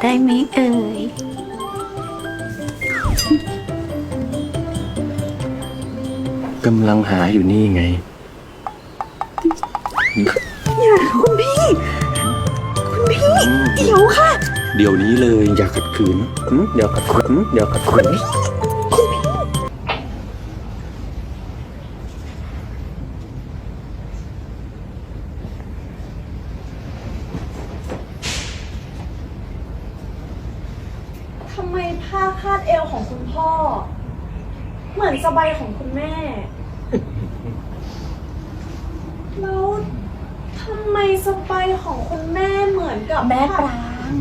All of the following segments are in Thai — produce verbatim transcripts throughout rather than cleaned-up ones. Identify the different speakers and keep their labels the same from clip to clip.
Speaker 1: ได้ไหมเอ่ย
Speaker 2: กำลังหาอยู่นี่ไง
Speaker 1: อย่าคุณพี่คุณพี่เดี๋ยวค่ะ
Speaker 2: เดี๋ยวนี้เลยอย่าขัดขืนอย่าขัดขืนอย่าขัดขืน
Speaker 3: ทำไมผ้าคาดเอวของคุณพ่อเหมือนสบายของคุณแม่ แล้วทำไมสบายของคุณแม่เหมือนกับแม่ปราง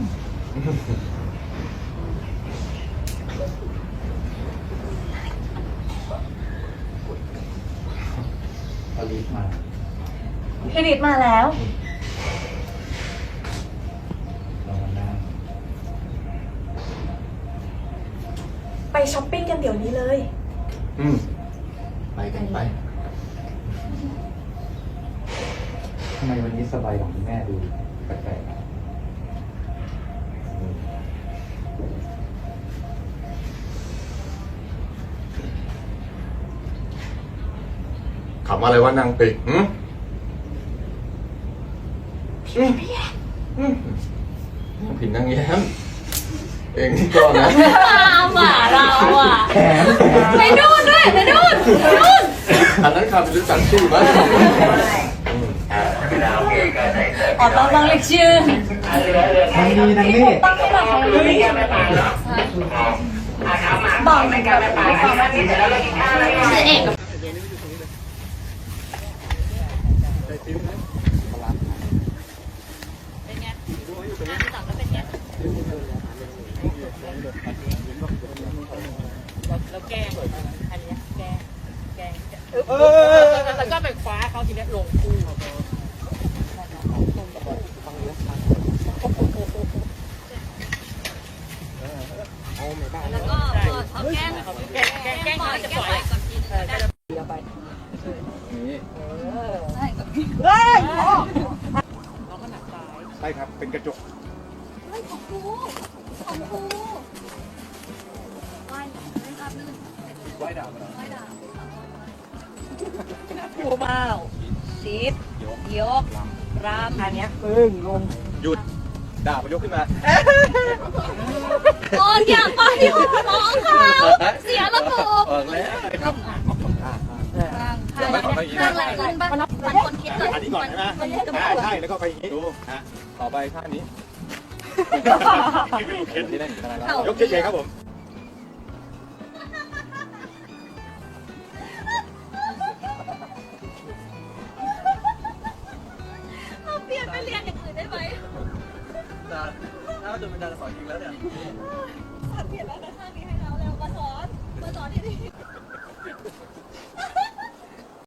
Speaker 4: อลิสมา
Speaker 3: พี่ฤทธิ์มาแล้ว
Speaker 4: เรามานั่ง
Speaker 3: ไปช้อปปิ้งกันเดี๋ยวนี้เลย
Speaker 4: อืมไปกันไปทำไมวันนี้สบายของคุณแม่ดูแปลกๆอ่ะ
Speaker 2: ขับมาอะไรวะนางเป็ดหืมผิดนางแย้มเองที่ก่อนนะ
Speaker 3: หมาเราอ่ะ
Speaker 4: แขน
Speaker 3: ไปนู่นด้วยไปนู่นนู่น
Speaker 2: อันนั้นขับรู้จักชื่อมั้ย
Speaker 3: อ๋อต้องต้องเรียกชื่อ
Speaker 4: ทางนี้ทางนี้
Speaker 3: ต้องให้แบบบอกไม่กันไม่ไปชื่อเอก
Speaker 5: แล้วแกงอันนี้แกงแกงแล้วก็ไปคว้าเขาทีนี้ลงคู่แล้วก็เขาแกงแกงแกงแกงเขาจะปล่อยก่อนทีนึงได้เดี๋ยวไปนี่ใช่กับพี่เฮ้ยน้องก็หนักซ้าย
Speaker 4: ใช่ครับเป็นกระจก
Speaker 5: เฮ้ยของกูของกูว่ายเล่นอาบลื่น
Speaker 4: ไว้ดาวมา
Speaker 5: ว่ายดาวน่ากลัวมากซีดยกรามอันเนี้ยปึ้งลง
Speaker 4: หยุดดาบมายกขึ้นมา
Speaker 5: โอ้ยอย่าไปน้องเขาเสียระบบ
Speaker 4: ออกแล้วครับ
Speaker 5: ข้างหลังข้างหลังขึ้นปะมันคนคิดเลย
Speaker 4: อันนี้ก่อนใช่ไหมใช่แล้วก็ไปอย่างนี้ดูฮะต่อไปท่านี้นี่ได้ยกเฉยๆครับผม
Speaker 5: เราเปลี่ยนไปเรียนอย่างอื่นได้ไหม
Speaker 4: ถ้าจนเป็นดาราสอนจริงแล้วเนี่ย
Speaker 5: สอนเปลี่ยนแล้วนะข้างนี้ให้เราเร็วมาสอนมาสอนที่นี่